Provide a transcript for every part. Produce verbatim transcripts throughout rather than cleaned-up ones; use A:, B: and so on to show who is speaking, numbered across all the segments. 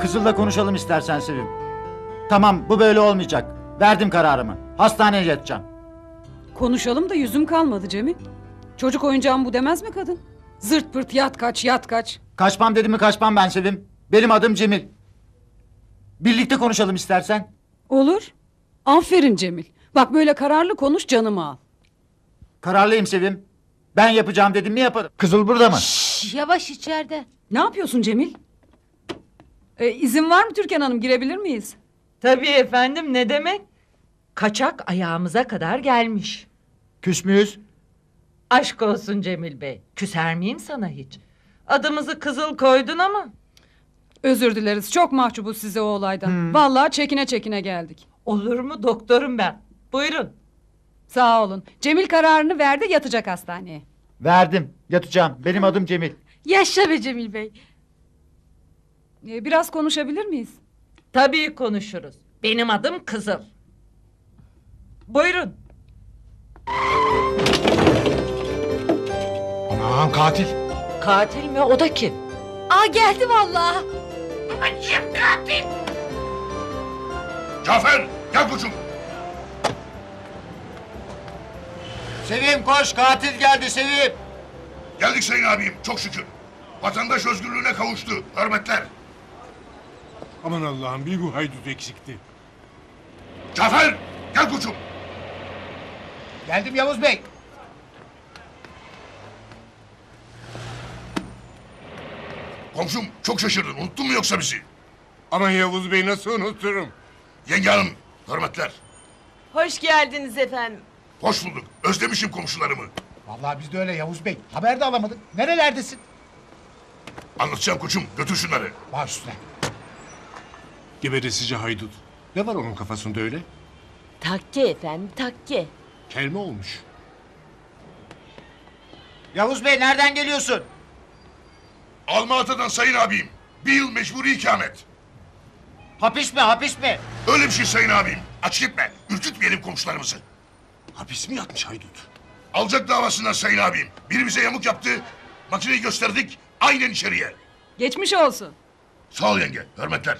A: Kızıl'la konuşalım istersen Sevim. Tamam, bu böyle olmayacak. Verdim kararımı. Hastaneye yatacağım.
B: Konuşalım da yüzüm kalmadı Cemil. Çocuk oyuncağım bu demez mi kadın? Zırt pırt yat kaç yat kaç.
A: Kaçmam dedim mi kaçmam ben Sevim. Benim adım Cemil. Birlikte konuşalım istersen.
B: Olur. Aferin Cemil. Bak böyle kararlı konuş, canımı al.
A: Kararlıyım Sevim. Ben yapacağım dedim mi yaparım. Kızıl burada mı?
C: Şş, yavaş içeride.
B: Ne yapıyorsun Cemil? Ee, izin var mı Türkan Hanım, girebilir miyiz?
D: Tabii efendim, ne demek? Kaçak ayağımıza kadar gelmiş.
A: Küs müyüz?
D: Aşk olsun Cemil Bey. Küser miyim sana hiç? Adımızı Kızıl koydun ama.
B: Özür dileriz, çok mahcubuz size o olaydan. Vallahi çekine çekine geldik.
D: Olur mu, doktorum ben. Buyurun.
B: Sağ olun. Cemil kararını verdi, yatacak hastaneye.
A: Verdim. Yatacağım. Benim adım Cemil.
C: Yaşa be Cemil Bey.
B: Ee, biraz konuşabilir miyiz?
D: Tabii konuşuruz. Benim adım Kızıl. Buyurun.
E: Aman katil.
D: Katil mi? O da kim?
C: Aa geldi vallahi.
E: Cafer gel koçum.
A: Sevim koş, katil geldi Sevim.
E: Geldik sayın abim çok şükür. Vatandaş özgürlüğüne kavuştu. Hürmetler.
F: Aman Allah'ım, bir bu haydut eksikti.
E: Cafer gel koçum.
A: Geldim Yavuz Bey.
E: Komşum çok şaşırdın. Unuttun mu yoksa bizi?
F: Aman Yavuz Bey, nasıl unuturum?
E: Yenge hanım hürmetler.
G: Hoş geldiniz efendim.
E: Hoş bulduk. Özlemişim komşularımı.
H: Vallahi biz de öyle Yavuz Bey. Haber de alamadık. Nerelerdesin?
E: Anlatacağım koçum. Götür şunları.
H: Baş üstüne.
F: Geberesici haydut. Ne var onun kafasında öyle?
G: Takke efendim, takke.
F: Kelme olmuş.
A: Yavuz Bey nereden geliyorsun?
E: Almaata'dan sayın abim. Bir yıl mecburi ikamet.
A: Hapis mi hapis mi?
E: Öyle bir şey sayın abim. Aç gitme. Ürkütmeyelim komşularımızı.
F: Hapis mi yatmış haydut?
E: Alacak davasından sayın abim. Biri bize yamuk yaptı. Makineyi gösterdik. Aynen içeriye.
B: Geçmiş olsun.
E: Sağ ol yenge. Hürmetler.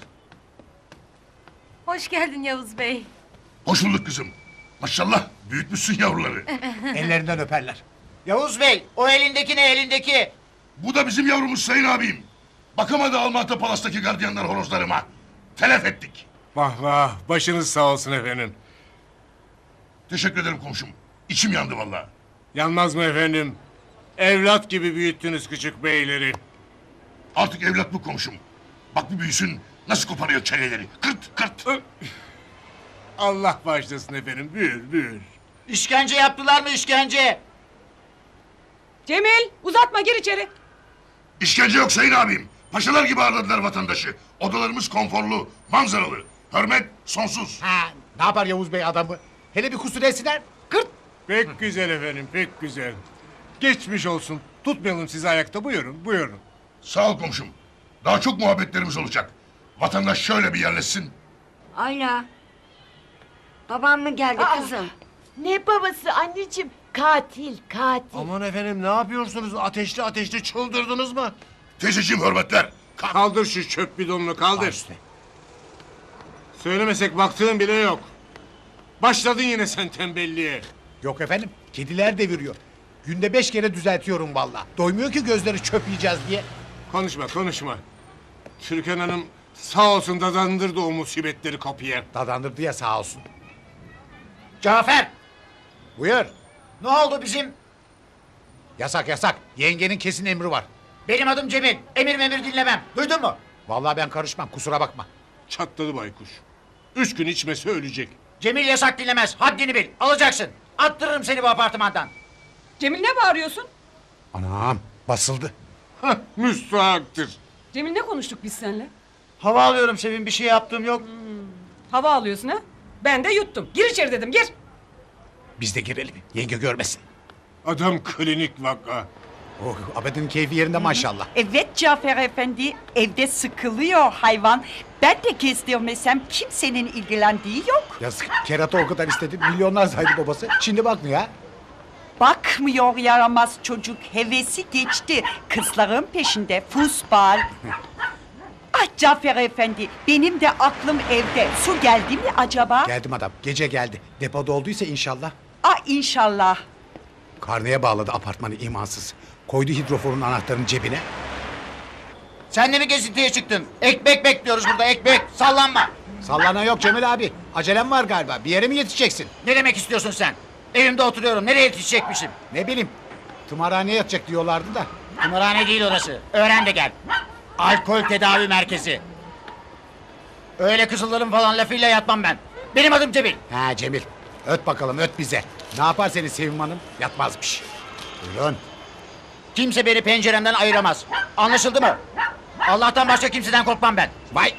C: Hoş geldin Yavuz Bey.
E: Hoş bulduk kızım. Maşallah büyütmüşsün yavruları.
H: Ellerinden öperler.
A: Yavuz Bey, o elindeki ne elindeki?
E: Bu da bizim yavrumuz sayın abim. Bakamadı Almatı Palas'taki gardiyanlar horozlarıma. Telef ettik.
F: Vah vah, başınız sağ olsun efendim.
E: Teşekkür ederim komşum. İçim yandı vallahi.
F: Yanmaz mı efendim? Evlat gibi büyüttünüz küçük beyleri.
E: Artık evlat bu komşum. Bak bir büyüsün nasıl koparıyor çeneleri. Kırt kırt.
F: Allah bağışlasın efendim, büyür büyür.
A: İşkence yaptılar mı işkence?
B: Cemil, uzatma, gir içeri.
E: İşkence yok sayın abim. Paşalar gibi ağırladılar vatandaşı. Odalarımız konforlu, manzaralı. Hürmet sonsuz.
H: Ha, ne yapar Yavuz Bey adamı? Hele bir kusur etsinler. Kırt.
F: Pek güzel efendim, pek güzel. Geçmiş olsun. Tutmayalım sizi ayakta, buyurun, buyurun.
E: Sağ ol komşum. Daha çok muhabbetlerimiz olacak. Vatandaş şöyle bir yerleşsin.
I: Ayla. Babam mı geldi kızım?
G: Ne babası anneciğim? Katil, katil.
F: Aman efendim, ne yapıyorsunuz? Ateşli ateşli çıldırdınız mı?
E: Teyzeciğim hürmetler. Kalk.
F: Kaldır şu çöp bidonunu, kaldır.
H: Baş üstüne.
F: Söylemesek baktığın bile yok. Başladın yine sen tembelliğe.
H: Yok efendim. Kediler deviriyor. Günde beş kere düzeltiyorum vallahi. Doymuyor ki gözleri çöp yiyeceğiz diye.
F: Konuşma, konuşma. Türkan Hanım sağ olsun dadandırdı o musibetleri kapıya.
H: Dadandırdı ya sağ olsun. Cafer. Buyur.
A: Ne oldu bizim?
H: Yasak yasak. Yengenin kesin emri var.
A: Benim adım Cemil. Emir memir dinlemem. Duydun mu?
H: Vallahi ben karışmam. Kusura bakma.
F: Çatladı baykuş. Üç gün içmese ölecek.
A: Cemil yasak dinlemez. Haddini bil. Alacaksın. Attırırım seni bu apartmandan.
B: Cemil, ne bağırıyorsun?
H: Anam basıldı.
F: Hah, müstahaktır.
B: Cemil, ne konuştuk biz seninle?
A: Hava alıyorum Sevim. Bir şey yaptığım yok.
B: Hava alıyorsun ha? Ben de yuttum. Gir içeri dedim, gir.
H: Biz de girelim. Yenge görmesin.
F: Adam klinik vaka.
H: Oh, Abed'in keyfi yerinde maşallah.
J: Evet Cafer Efendi, evde sıkılıyor hayvan. Ben de gezdirmesem kimsenin ilgilendiği yok.
H: Yazık. Kerata o kadar istedi. Milyonlar saydı babası. Şimdi bakmıyor ha.
J: Bakmıyor yaramaz çocuk, hevesi geçti. Kızların peşinde, futbol. Ah Cafer Efendi, benim de aklım evde. Su geldi mi acaba?
H: Geldim adam. Gece geldi. Depoda olduysa inşallah.
J: Ah inşallah.
H: Karneye bağladı apartmanı imansız. Koydu hidroforun anahtarını cebine.
A: Sen de mi gezintiye çıktın? Ekmek bekliyoruz burada ekmek. Sallanma.
H: Sallana yok Cemil abi. Acelem var galiba. Bir yere mi yetişeceksin?
A: Ne demek istiyorsun sen? Evimde oturuyorum. Nereye yetişecekmişim?
H: Ne bileyim. Tımarhaneye yatacak diyorlardı da.
A: Kumarhane değil orası. Öğren de gel. Alkol tedavi merkezi. Öyle kızılların falan lafıyla yatmam ben. Benim adım Cemil.
H: Ha Cemil. Öt bakalım öt bize. Ne yapar seni Sevim Hanım? Yatmazmış. Buyurun.
A: Kimse beni penceremden ayıramaz. Anlaşıldı mı? Allah'tan başka kimseden korkmam ben.
H: Vay.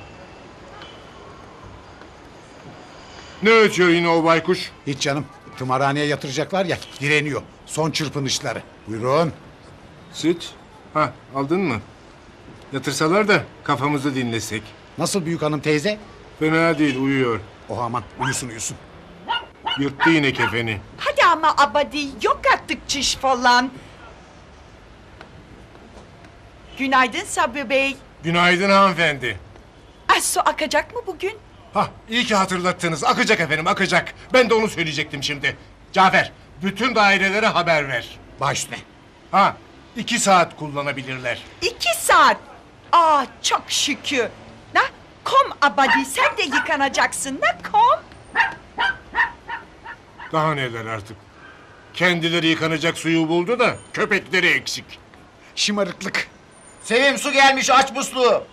F: Ne ötüyor yine o baykuş?
H: Hiç canım. Tımarhaneye yatıracaklar ya. Direniyor. Son çırpınışları. Buyurun.
F: Süt. Ha aldın mı? Yatırsalar da kafamızı dinlesek.
H: Nasıl büyük hanım teyze?
F: Fena değil uyuyor.
H: Oh aman uyusun uyusun.
F: Yırttı yine kefeni.
J: Hadi ama abadi, yok artık çiş falan. Günaydın Sabri Bey.
F: Günaydın hanımefendi.
J: Ah su akacak mı bugün?
F: Hah iyi ki hatırlattınız. Akacak efendim akacak. Ben de onu söyleyecektim şimdi. Cafer bütün dairelere haber ver.
H: Baş üstüne.
F: Ha iki saat kullanabilirler.
J: İki saat. Aa çok şükür. Na, kom abadi, sen de yıkanacaksın. Na kom.
F: Daha neler artık. Kendileri yıkanacak suyu buldu da köpekleri eksik.
H: Şımarıklık.
A: Sevim su gelmiş aç musluğu.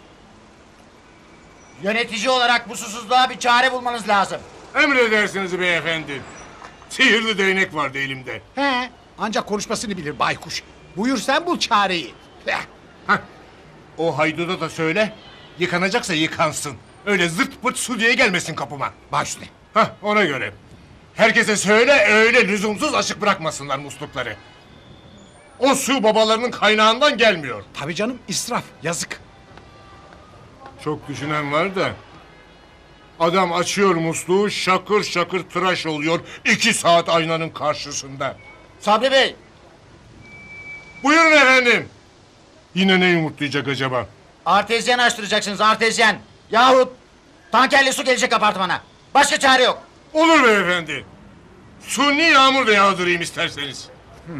A: Yönetici olarak bu susuzluğa bir çare bulmanız lazım.
F: Emredersiniz beyefendi. Sihirli değnek vardı elimde.
H: He. Ancak konuşmasını bilir baykuş. Buyur sen bul çareyi. Heh.
F: Hah. O hayduda da söyle. Yıkanacaksa yıkansın. Öyle zırt pırt su diye gelmesin kapıma.
H: Baş üstüne.
F: Hah ona göre. Herkese söyle öyle lüzumsuz açık bırakmasınlar muslukları. O su babalarının kaynağından gelmiyor.
H: Tabii canım israf yazık.
F: Çok düşünen var da. Adam açıyor musluğu şakır şakır tıraş oluyor. iki saat aynanın karşısında.
A: Sabri Bey.
F: Buyurun efendim. Yine ne yumurtlayacak acaba?
A: Artezyen açtıracaksınız artezyen. Yahut tankerli su gelecek apartmana. Başka çare yok.
F: Olur beyefendi. Suni yağmur da yağdırayım isterseniz.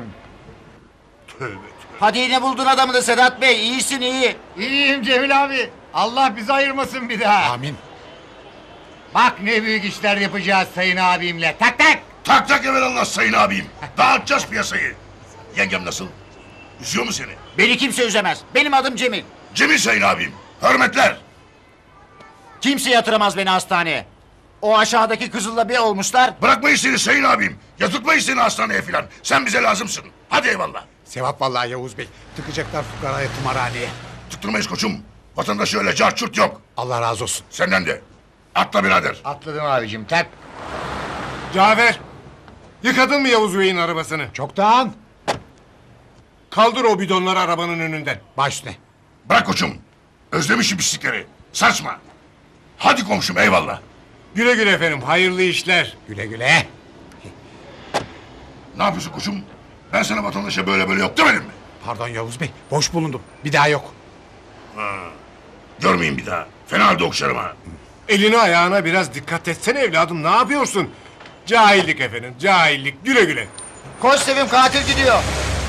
F: Tövbe tövbe.
A: Hadi yine buldun adamını Sedat Bey. İyisin iyi.
K: İyiyim Cemil abi. Allah bizi ayırmasın bir daha.
H: Amin.
K: Bak ne büyük işler yapacağız sayın abimle. Tak tak.
E: Tak tak evelallah sayın abim. Dağıtacağız piyasayı. Yengem nasıl? Üzüyor mu seni?
A: Beni kimse üzemez. Benim adım Cemil.
E: Cemil sayın abim. Hürmetler.
A: Kimse yatıramaz beni hastaneye. O aşağıdaki kızılla bir olmuşlar.
E: Bırakmayız seni sayın abim. Yatırtmayız seni hastaneye filan. Sen bize lazımsın. Hadi eyvallah.
H: Sevap vallahi Yavuz Bey. Tıkacaklar fukaraya tımarhaneye.
E: Tıktırmayız koçum. Vatandaş öyle cart çurt yok.
H: Allah razı olsun.
E: Senden de. Atla birader.
K: Atladım abicim tak.
F: Cafer. Yıkadın mı Yavuz Bey'in arabasını?
H: Çoktan.
F: Kaldır o bidonları arabanın önünden.
H: Baş üstüne.
E: Bırak koçum. Özlemişim pislikleri. Saçma. Hadi komşum eyvallah.
F: Güle güle efendim hayırlı işler.
H: Güle güle.
E: Ne yapıyorsun koçum? Ben sana vatandaşa böyle böyle yok demedim mi?
H: Pardon Yavuz Bey. Boş bulundum. Bir daha yok.
E: Görmeyin bir daha. Fena halde okşarım ha.
F: Eline ayağına biraz dikkat etsene evladım ne yapıyorsun? Cahillik efendim cahillik güle güle.
A: Koş Sevim katil gidiyor.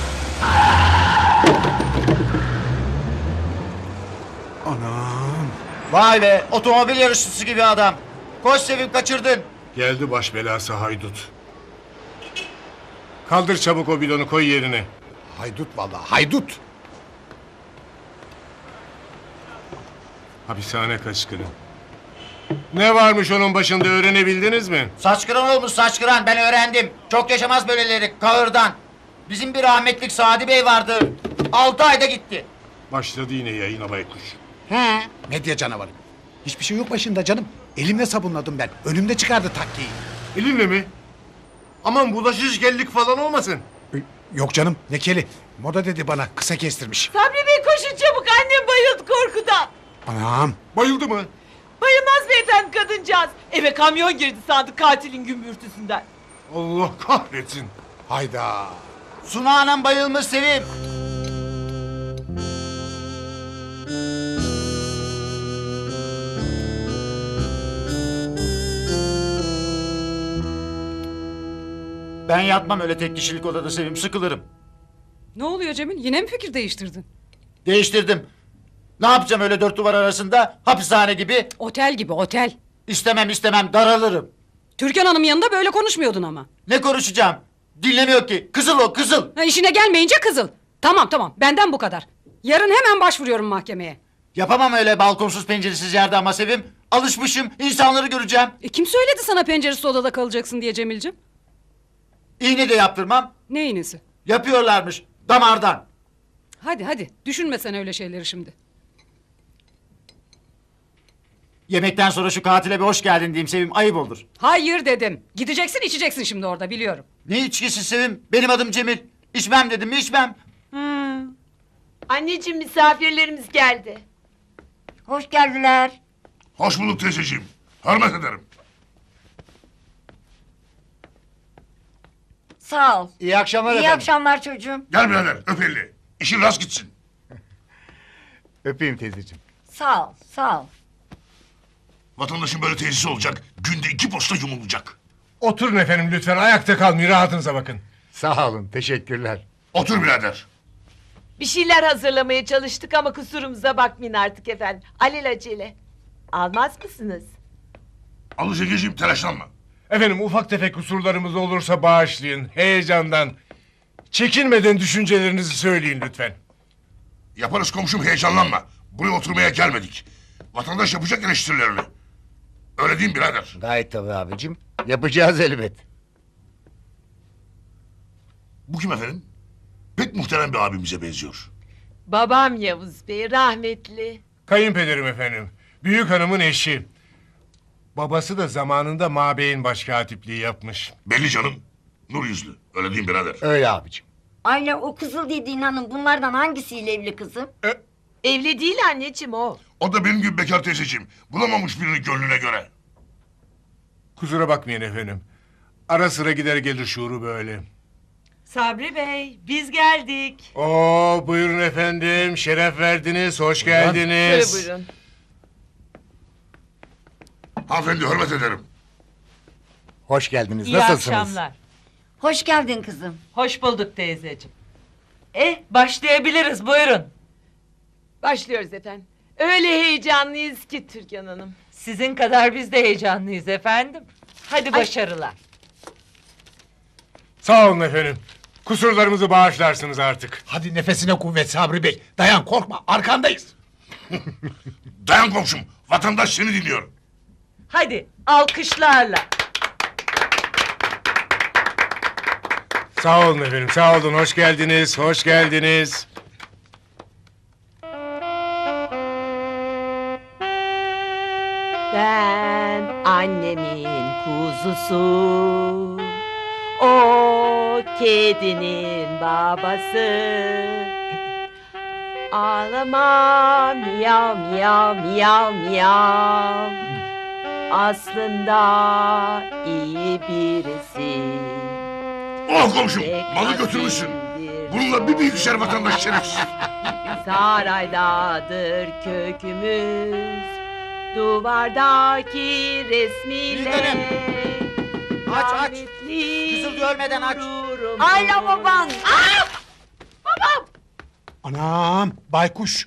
H: Anam.
A: Vay be otomobil yarışçısı gibi adam. Koş Sevim kaçırdın.
F: Geldi baş belası haydut. Kaldır çabuk o bidonu koy yerine.
H: Haydut vallahi haydut.
F: Hapishane kaçkını. Ne varmış onun başında öğrenebildiniz mi?
A: Saç kıran olmuş saç kıran ben öğrendim. Çok yaşamaz böyleleri kahırdan. Bizim bir rahmetlik Sadi Bey vardı. Altı ayda gitti.
F: Başladı yine yayına baykuş.
H: He. Medya canavarı. Hiçbir şey yok başında canım. Elimle sabunladım ben. Önümde çıkardı takkiyi.
F: Elinle mi? Aman bulaşıcıkellik falan olmasın.
H: Yok canım ne keli. Moda dedi bana kısa kestirmiş.
G: Sabri Bey koşun çabuk, annem bayıldı korkudan.
H: Anam.
F: Bayıldı mı?
G: Bayılmaz beyefendi kadıncağız. Eve kamyon girdi sandı katilin gümbürtüsünden.
F: Allah kahretsin.
H: Hayda.
A: Suna anam bayılmış Sevim. Ben yatmam öyle tek kişilik odada Sevim, sıkılırım.
B: Ne oluyor Cemil? Yine mi fikir değiştirdin?
A: Değiştirdim. Ne yapacağım öyle dört duvar arasında? Hapishane gibi.
B: Otel gibi otel.
A: İstemem istemem, daralırım.
B: Türkan Hanım yanında böyle konuşmuyordun ama.
A: Ne konuşacağım? Dinlemiyor ki. Kızıl o, kızıl.
B: Ha, işine gelmeyince kızıl. Tamam tamam, benden bu kadar. Yarın hemen başvuruyorum mahkemeye.
A: Yapamam öyle balkonsuz penceresiz yerde ama Sevim. Alışmışım, insanları göreceğim.
B: E, kim söyledi sana penceresiz odada kalacaksın diye Cemil'cim?
A: İğne de yaptırmam.
B: Ne iğnesi?
A: Yapıyorlarmış, damardan.
B: Hadi hadi, düşünme sen öyle şeyleri şimdi.
A: Yemekten sonra şu katile bir hoş geldin diyeyim Sevim, ayıp olur.
B: Hayır dedim. Gideceksin içeceksin şimdi orada, biliyorum.
A: Ne içkisi Sevim? Benim adım Cemil. İçmem dedim mi içmem.
G: Anneciğim misafirlerimiz geldi.
I: Hoş geldiler.
E: Hoş bulduk teyzeciğim. Hürmet ederim.
I: Sağ ol.
K: İyi akşamlar
I: İyi
K: efendim.
I: akşamlar çocuğum.
E: Gel birader öp elini. İşin rast gitsin.
K: Öpeyim teyzeciğim.
I: Sağ ol. Sağ ol.
E: Vatandaşın böyle tesisi olacak. Günde iki posta yumulacak.
F: Oturun efendim lütfen, ayakta kalmayın, rahatınıza bakın.
K: Sağ olun, teşekkürler.
E: Otur birader.
G: Bir şeyler hazırlamaya çalıştık ama kusurumuza bakmayın artık efendim. Alelacele. Almaz mısınız?
E: Al Zegeciğim, telaşlanma.
F: Efendim ufak tefek kusurlarımız olursa bağışlayın, heyecandan. Çekinmeden düşüncelerinizi söyleyin lütfen.
E: Yaparız komşum, heyecanlanma. Buraya oturmaya gelmedik. Vatandaş yapacak eleştirilerini. Öyle değil mi birader?
K: Gayet tabii abicim. Yapacağız elbet.
E: Bu kim efendim? Pek muhterem bir abimize benziyor.
G: Babam Yavuz Bey rahmetli.
F: Kayınpederim efendim, büyük hanımın eşi. Babası da zamanında Mabey'in başkatipliği yapmış.
E: Belli canım. Nur yüzlü. Öyle değil mi birader?
K: Öyle abicim.
I: Ayla o kızıl dediğin hanım bunlardan hangisiyle evli kızım?
G: Evli değil anneciğim o.
E: O da benim gibi bekar teyzeciğim. Bulamamış birini gönlüne göre.
F: Kusura bakmayın efendim. Ara sıra gider gelir şuuru böyle.
D: Sabri Bey, biz geldik.
F: Oo, buyurun efendim, şeref verdiniz, hoş geldiniz.
G: Şöyle buyurun.
E: Hanımefendi hürmet ederim.
K: Hoş geldiniz.
D: İyi
K: Nasılsınız?
D: akşamlar.
I: Hoş geldin kızım.
D: Hoş bulduk teyzeciğim. Eh, başlayabiliriz, buyurun.
G: Başlıyoruz efendim. Öyle heyecanlıyız ki Türkan Hanım.
D: Sizin kadar biz de heyecanlıyız efendim. Hadi başarılar.
F: Sağ olun efendim. Kusurlarımızı bağışlarsınız artık.
H: Hadi nefesine kuvvet Sabri Bey. Dayan korkma arkandayız.
E: Dayan komşum. Vatandaş seni dinliyor.
D: Hadi, alkışlarla.
F: Sağ olun efendim, sağ olun, hoş geldiniz, hoş geldiniz.
G: Ben annemin kuzusu, o kedinin babası. Ağlama miyav miyav miyav miyav. Aslında iyi birisi.
E: Oh komşum.
G: Pek
E: Malı götürmüşsün.
G: asildir.
E: Bununla bir bilgisayar vatandaş şerefsiz.
G: Saraydadır kökümüz, duvardaki resmiyle.
A: Bilgenim. Aç, aç.
G: rahmetli
A: Kızıl görmeden aç.
G: gururum.
I: Ayla baban.
H: Anam baykuş.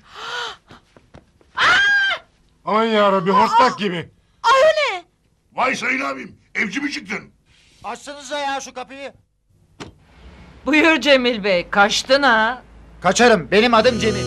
F: Aman yarabbi, hortlak gibi.
E: Vay sayın abim. Evci mi çıktın?
A: Açsanıza ya şu kapıyı.
D: Buyur Cemil Bey, kaçtın ha?
A: Kaçarım, benim adım Cemil.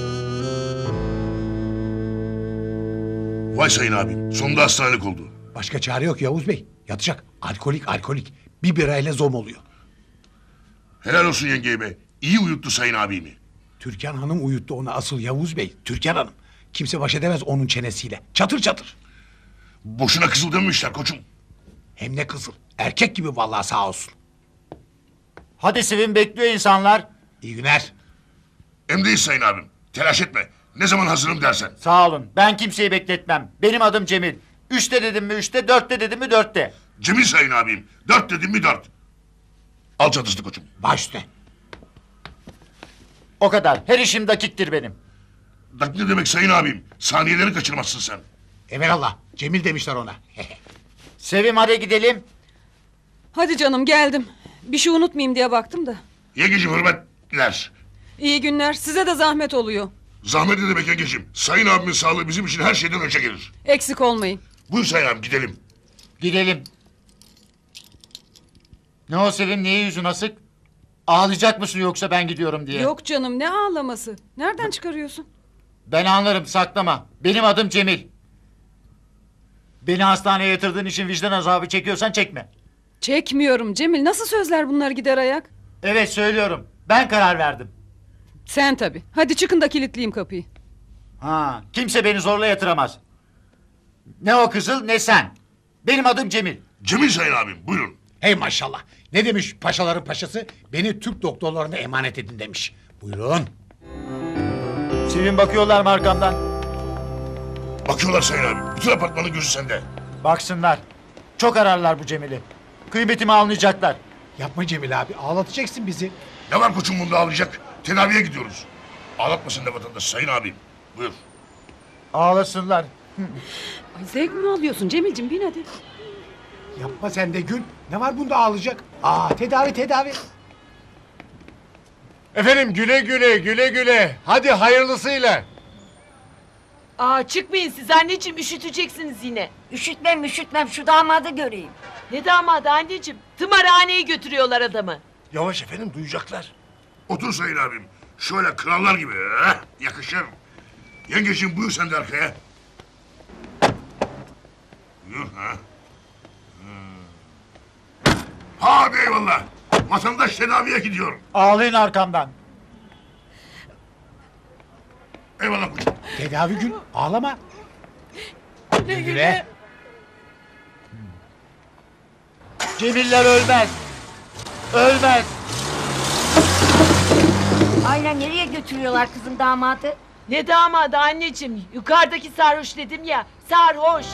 E: Vay sayın abim. Sonunda hastanelik oldu.
H: Başka çare yok Yavuz Bey. Yatacak. Alkolik alkolik. Bir birayla zom oluyor.
E: Helal olsun yengeye be. İyi uyuttu sayın abimi.
H: Türkan Hanım uyuttu onu asıl Yavuz Bey. Türkan Hanım. Kimse baş edemez onun çenesiyle. Çatır çatır.
E: Boşuna kızıl dememişler koçum.
H: Hem ne kızıl. Erkek gibi vallahi sağ olsun.
A: Hadi Sevim, bekliyor insanlar.
H: İyi günler.
E: Emreyiz sayın abim. Telaş etme. Ne zaman hazırım dersen.
A: Sağ olun, ben kimseyi bekletmem. Benim adım Cemil. Üçte dedim mi üçte, dörtte dedim mi dörtte.
E: Cemil sayın abim. Dört dedim mi dört. Al çatıştı koçum.
H: Baş üstüne.
A: O kadar, her işim dakiktir benim.
E: Dak ne demek sayın abim? Saniyeleri kaçırmazsın sen.
H: Evelallah. Cemil demişler ona.
A: Sevim hadi gidelim.
B: Hadi canım geldim. Bir şey unutmayayım diye baktım da.
E: Yengeciğim hürmetler.
B: İyi günler. Size de zahmet oluyor.
E: Zahmet ne demek yengeciğim? Sayın abimin sağlığı bizim için her şeyden önce gelir.
B: Eksik olmayın.
E: Buyur Sayın abim gidelim.
A: Gidelim. Ne o Sevim, niye yüzün asık? Ağlayacak mısın yoksa ben gidiyorum diye?
B: Yok canım, ne ağlaması? Nereden çıkarıyorsun?
A: Ben anlarım, saklama. Benim adım Cemil. Beni hastaneye yatırdığın için vicdan azabı çekiyorsan çekme.
B: Çekmiyorum Cemil. Nasıl sözler bunlar gider ayak?
A: Evet söylüyorum. Ben karar verdim.
B: Sen tabii. Hadi çıkın da kilitleyeyim kapıyı.
A: Ha, kimse beni zorla yatıramaz. Ne o kızıl ne sen. Benim adım Cemil.
E: Cemil Sayın abim buyurun.
H: Hey maşallah. Ne demiş paşaların paşası? Beni Türk doktorlarına emanet edin demiş. Buyurun.
A: Sevim, bakıyorlar mı arkamdan?
E: Bakıyorlar Sayın abim. Bütün apartmanın gözü sende.
A: Baksınlar. Çok ararlar bu Cemil'i. Kıymetimi anlayacaklar.
H: Yapma Cemil abi. Ağlatacaksın bizi.
E: Ne var koçum bunda ağlayacak? Tedaviye gidiyoruz. Ağlatmasın da vatandaş Sayın abim. Buyur.
A: Ağlasınlar.
B: Ay, zevk mi alıyorsun Cemil'cim? Bin hadi.
H: Yapma sen de Gül. Ne var bunda ağlayacak? Aa tedavi tedavi.
F: Efendim güle güle güle güle. Hadi hayırlısıyla.
G: Aa çıkmayın siz anneciğim, üşüteceksiniz yine.
I: Üşütmem üşütmem şu damadı göreyim.
G: Ne damadı anneciğim? Tımarhaneye götürüyorlar adamı.
E: Yavaş efendim duyacaklar. Otur Sayın abim. Şöyle krallar gibi. Heh, yakışır. Yengeciğim buyur sen de arkaya. Buyur ha. Hmm. Hadi eyvallah. Vatandaş tedaviye gidiyor.
A: Ağlayın arkamdan.
E: Eyvallah koçum.
H: Tedavi Gül. Ağlama. Güle güle.
A: Cemiller ölmez. Ölmez.
I: Aynen nereye götürüyorlar kızım damadı?
G: Ne damadı anneciğim? Yukarıdaki sarhoş dedim ya. Sarhoş.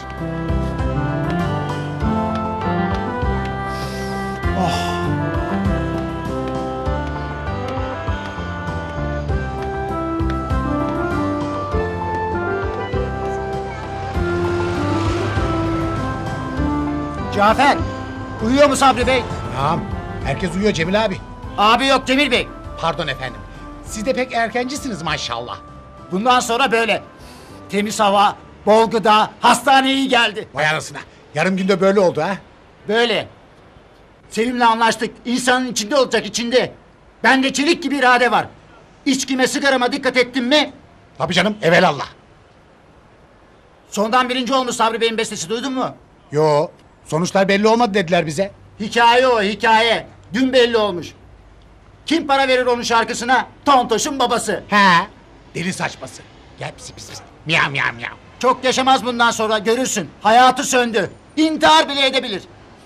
A: Cafer. Uyuyor mu Sabri Bey?
H: Tamam. Herkes uyuyor Cemil abi.
A: Abi yok Cemil Bey.
H: Pardon efendim. Siz de pek erkencisiniz maşallah.
A: Bundan sonra böyle. Temiz hava, bol gıda, hastane iyi geldi.
H: Vay anasına. Yarım günde böyle oldu ha.
A: Böyle. Sevim'le anlaştık. İnsanın içinde olacak, içinde. Bende çelik gibi irade var. İçkime, sigarama dikkat ettim mi?
H: Tabii canım evelallah.
A: Sondan birinci olmuş Sabri Bey'in bestesi, duydun mu?
H: Yo. Sonuçlar belli olmadı dediler bize.
A: Hikaye o, hikaye. Dün belli olmuş. Kim para verir onun şarkısına? Tontoş'un babası.
H: He. Deli saçması. Gel pis pis pis. Miyav miyav miyav.
A: Çok yaşamaz bundan sonra, görürsün. Hayatı söndü. İntihar bile edebilir.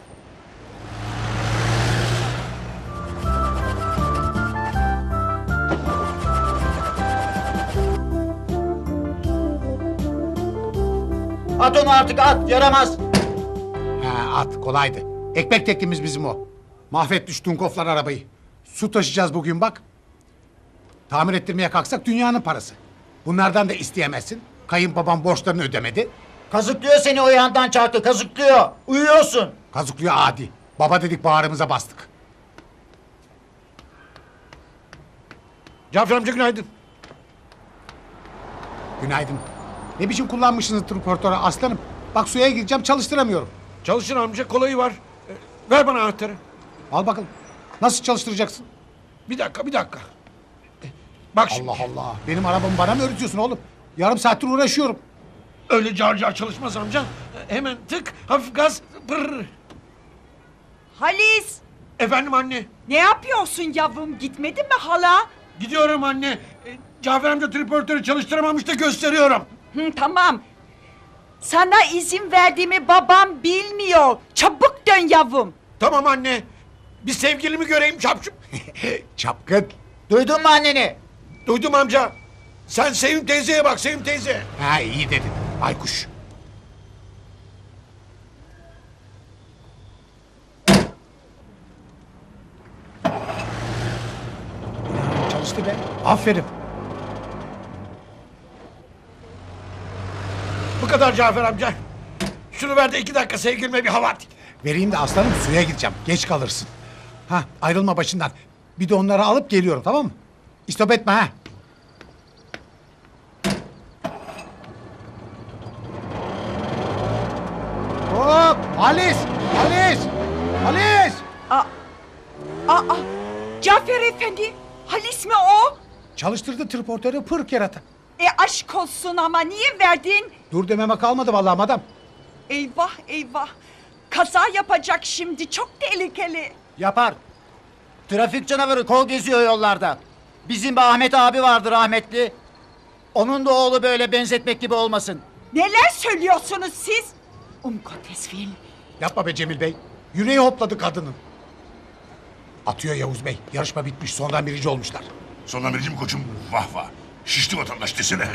A: At onu artık, at. Yaramaz.
H: Ha at kolaydı. Ekmek tekimiz bizim o. Mahvetmiş Dunkoflar arabayı. Su taşıyacağız bugün bak. Tamir ettirmeye kalksak dünyanın parası. Bunlardan da isteyemezsin. Kayınbabam borçlarını ödemedi.
A: Kazıklıyor seni, o yandan çarptı. Kazıklıyor. Uyuyorsun.
H: Kazıklıyor adi. Baba dedik bağrımıza bastık.
F: Cafer amca günaydın.
H: Günaydın. Ne biçim kullanmışsınız transportörü aslanım. Bak suya gireceğim çalıştıramıyorum.
F: Çalışın amca, kolayı var. Ee, ver bana anahtarı.
H: Al bakalım. Nasıl çalıştıracaksın?
F: Bir dakika bir dakika. Ee, Bak şimdi.
H: Allah Allah. Benim arabamı bana mı öğretiyorsun oğlum? Yarım saattir uğraşıyorum.
F: Öyle car car çalışmaz amca. Ee, Hemen tık, hafif gaz, pırr.
J: Halis,
F: Efendim anne.
J: ne yapıyorsun yavrum? Gitmedin mi hala?
F: Gidiyorum anne. Ee, Cafer amca triportörü çalıştıramamış da gösteriyorum.
J: Hı, tamam. Sana izin verdiğimi babam bilmiyor. Çabuk dön yavrum.
F: Tamam anne. Bir sevgilimi göreyim çapçım.
H: Çapkın.
A: Duydun mu anneni?
F: Duydum amca. Sen Sevim teyzeye bak, Sevim teyze.
H: Ha iyi dedin. Baykuş. Çalıştı be. Aferin.
F: Bu kadar Cafer amca. Şunu ver de iki dakika sevgilime bir hava at.
H: Vereyim de aslanım suya gideceğim. Geç kalırsın. Ha, ayrılma başından. Bir de onları alıp geliyorum, tamam mı? İstop etme ha. Hop! Halis! Halis! Halis!
J: Aa, aa, Cafer Efendi, Halis mi o?
H: Çalıştırdı triportörü pırk yarata.
J: E aşk olsun ama niye verdin?
H: Dur dememe kalmadı vallahi madam.
J: Eyvah eyvah. Kaza yapacak şimdi, çok tehlikeli.
A: Yapar. Trafik canavarı kol geziyor yollarda. Bizim bir Ahmet abi vardı rahmetli. Onun da oğlu böyle benzetmek gibi olmasın.
J: Neler söylüyorsunuz siz? Um Gottes Willen.
H: Yapma be Cemil Bey. Yüreği hopladı kadının. Atıyor Yavuz Bey. Yarışma bitmiş. Sondan birinci olmuşlar.
E: Sonra birinci mi koçum? Vah vah. Şişti vatandaş desene.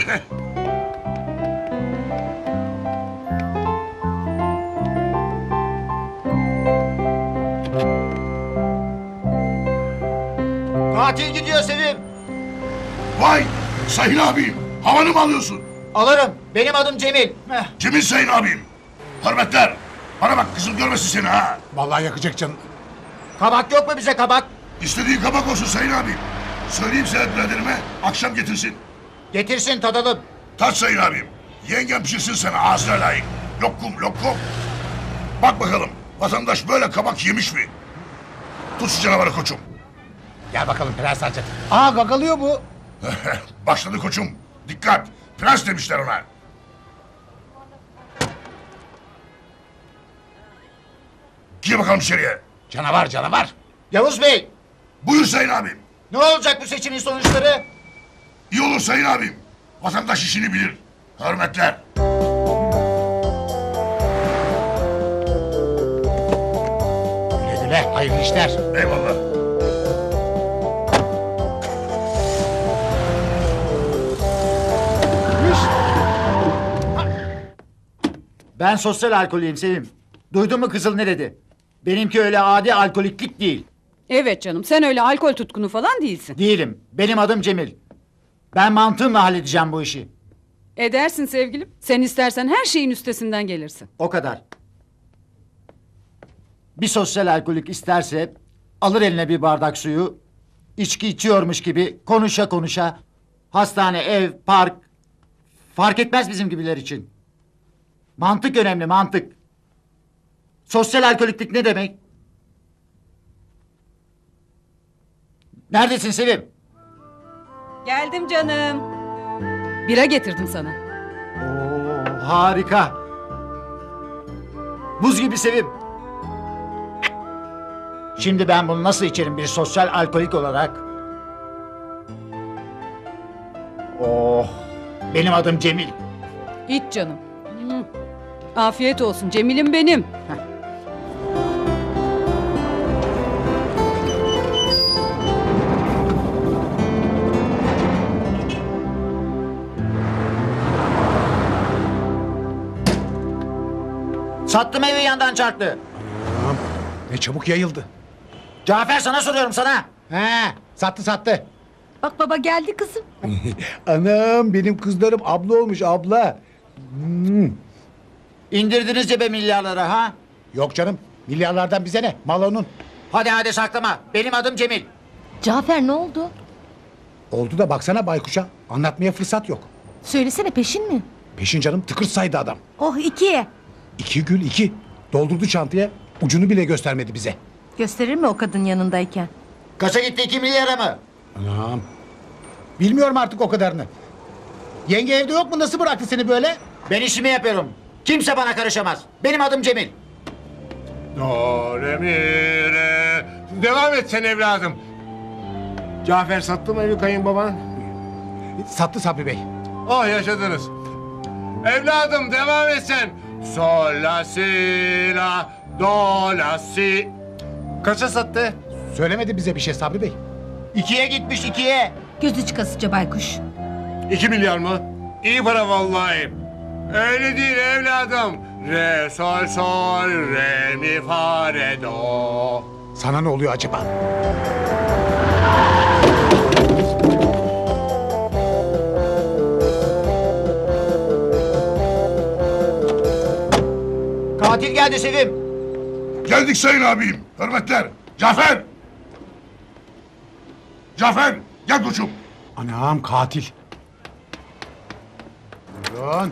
A: Katil gidiyor Sevim.
E: Vay! Sayın abim. Havanı mı alıyorsun?
A: Alırım. Benim adım Cemil. Heh.
E: Cemil sayın abim. Hürmetler. Bana bak kızım görmesin seni ha.
H: Vallahi yakacak canım.
A: Kabak yok mu bize kabak?
E: İstediğin kabak olsun sayın abim. Söyleyeyim Sedat biraderime akşam getirsin.
A: Getirsin tadalım.
E: Tat sayın abim. Yengem pişirsin sana ağzına layık. Lokum lokum. Bak bakalım vatandaş böyle kabak yemiş mi? Tut şu canavarı koçum.
H: Gel bakalım Prens Hazret. Aa gagalıyor bu.
E: Başladı koçum. Dikkat. Prens demişler ona. Gir bakalım içeriye.
H: Canavar canavar.
A: Yavuz Bey.
E: Buyur sayın abim.
A: Ne olacak bu seçimin sonuçları?
E: İyi olur sayın abim. Vatandaş işini bilir. Hürmetler.
H: Güle güle. Hayırlı işler.
E: Eyvallah.
A: Ben sosyal alkolüyüm Sevim. Duydun mu kızıl ne dedi? Benimki öyle adi alkoliklik değil.
B: Evet canım, sen öyle alkol tutkunu falan değilsin.
A: Değilim. Benim adım Cemil. Ben mantığımla halledeceğim bu işi.
B: Edersin sevgilim. Sen istersen her şeyin üstesinden gelirsin.
A: O kadar. Bir sosyal alkolik isterse alır eline bir bardak suyu, içki içiyormuş gibi konuşa konuşa hastane, ev, park fark etmez bizim gibiler için. Mantık önemli, mantık. Sosyal alkoliklik ne demek? Neredesin Sevim?
B: Geldim canım. Bira getirdim sana.
A: Oo, harika. Buz gibi Sevim. Şimdi ben bunu nasıl içerim bir sosyal alkolik olarak? Oh, benim adım Cemil.
B: İç canım. Hı. Afiyet olsun Cemil'im benim.
A: Sattım evi yandan çarptı.
H: Tamam. Ne çabuk yayıldı.
A: Cafer sana soruyorum sana.
H: He, sattı sattı.
C: Bak baba geldi kızım.
H: Anam benim kızlarım abla olmuş abla. Hmm.
A: İndirdiniz cebe milyarları ha?
H: Yok canım. Milyarlardan bize ne? Mal onun.
A: Hadi hadi saklama. Benim adım Cemil.
C: Cafer ne oldu?
H: Oldu da baksana baykuşa. Anlatmaya fırsat yok.
C: Söylesene peşin mi?
H: Peşin canım tıkır saydı adam.
C: Oh ikiye.
H: İki gül iki. Doldurdu çantaya. Ucunu bile göstermedi bize.
C: Gösterir mi o kadın yanındayken?
A: Kaça gitti iki milyara mı?
H: Anam. Bilmiyorum artık o kadarını. Yenge evde yok mu? Nasıl bıraktı seni böyle?
A: Ben işimi yapıyorum. Kimse bana karışamaz. Benim adım Cemil.
F: Do, re, mi, re. Devam et sen evladım. Cafer sattı mı evi kayınbaban?
H: Sattı Sabri Bey.
F: Oh yaşadınız. Evladım devam et sen. Sol, la, si, la, do, la, si. Kaça sattı?
H: Söylemedi bize bir şey Sabri Bey.
A: İkiye gitmiş ikiye.
C: Gözü çıkasıca baykuş.
F: İki milyar mı? İyi para vallahi. Öyle değil evladım. Re, sol, sol, re, mi, fa, re, do.
H: Sana ne oluyor acaba?
A: Katil geldi Sevim.
E: Geldik sayın abim. Hürmetler. Cafer. Cafer gel koçum.
H: Anam katil. Buyurun.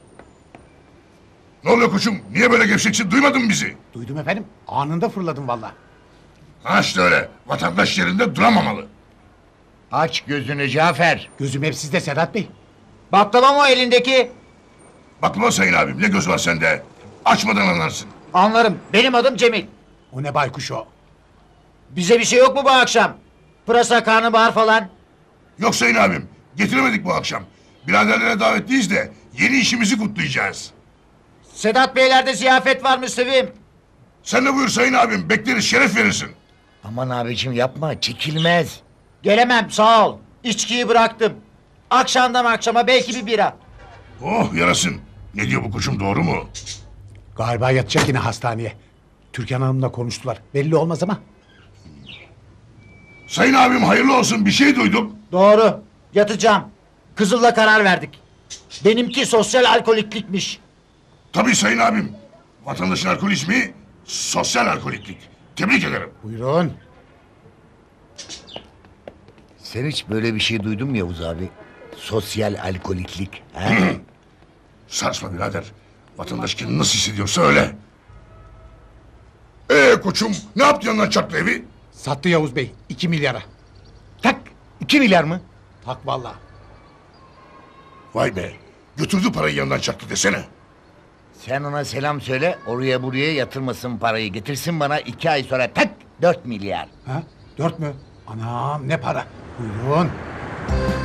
E: Ne oluyor koçum? Niye böyle gevşeksin? Duymadın mı bizi?
H: Duydum efendim. Anında fırladım valla.
E: Ha işte öyle. Vatandaş yerinde duramamalı.
K: Aç gözünü Cafer.
H: Gözüm hep sizde Sedat Bey.
A: Baklava mı o elindeki?
E: Bakma sayın abim ne göz var sende. Açmadan anlarsın.
A: Anlarım. Benim adım Cemil.
H: O ne baykuş o?
A: Bize bir şey yok mu bu akşam? Pırasa, karnabahar falan.
E: Yok sayın abim. Getiremedik bu akşam. Biraderlere davetliyiz de yeni işimizi kutlayacağız.
A: Sedat Beylerde ziyafet var Müslüvim.
E: Sen de buyur sayın abim. Bekleriz şeref verirsin.
K: Aman abicim yapma çekilmez.
A: Gelemem sağ ol. İçkiyi bıraktım. Akşamdan akşama belki bir bira.
E: Oh yarasın. Ne diyor bu koçum doğru mu?
H: Galiba yatacak yine hastaneye. Türkan Hanım'la konuştular. Belli olmaz ama.
E: Sayın abim hayırlı olsun bir şey duydum.
A: Doğru. Yatacağım. Kızıl'la karar verdik. Benimki sosyal alkoliklikmiş.
E: Tabii sayın abim. Vatandaşın alkolizmi sosyal alkoliklik. Tebrik ederim.
H: Buyurun.
K: Sen hiç böyle bir şey duydun mu Yavuz abi? Sosyal alkoliklik. He?
E: Sarsma birader. Vatandaş kendini nasıl hissediyorsa öyle. Ee koçum ne yaptı yanından çarptı evi?
H: Sattı Yavuz Bey. iki milyara.
K: Tak iki milyar mı?
H: Tak valla.
E: Vay be. Götürdü parayı yanından çaktı desene.
K: Sen ona selam söyle oraya buraya yatırmasın parayı. Getirsin bana iki ay sonra tak dört milyar.
H: Ha? Dört mü? Anam ne para. Buyurun.